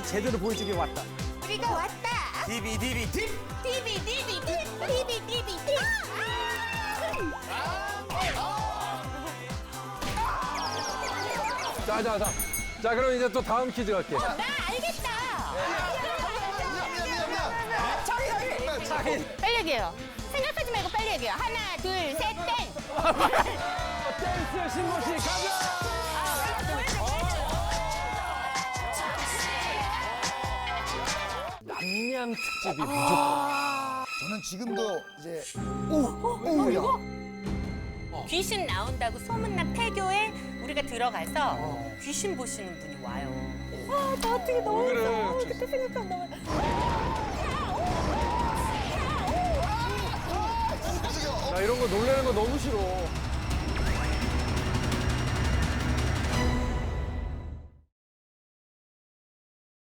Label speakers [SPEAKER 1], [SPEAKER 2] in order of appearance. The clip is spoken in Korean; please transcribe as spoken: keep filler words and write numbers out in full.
[SPEAKER 1] 제대로 보여주기 왔다.
[SPEAKER 2] 우리가 왔다.
[SPEAKER 1] 디비 디비 딥.
[SPEAKER 2] 디비 디비 딥. 디비 디비 딥.
[SPEAKER 3] 자, 자, 자. 자, 그럼 이제 또 다음 퀴즈 갈게.
[SPEAKER 2] 나 알겠다. 저기 저기. 빨리 얘기해요. 생각하지 말고 빨리 얘기해요. 하나, 둘, 셋, 땡.
[SPEAKER 3] 댄스 신고 씨 가자. 남양 특집이 무조건.
[SPEAKER 4] 저는 지금도 이제 오오야
[SPEAKER 2] 귀신 나온다고 소문난 폐교에 우리가 들어가서 귀신 보시는 분이 와요. 아, 나 어떻게 너무
[SPEAKER 3] 그래?
[SPEAKER 2] 무서워. 그때 생각하면 너무.
[SPEAKER 3] 나 이런 거 놀래는 거 너무 싫어.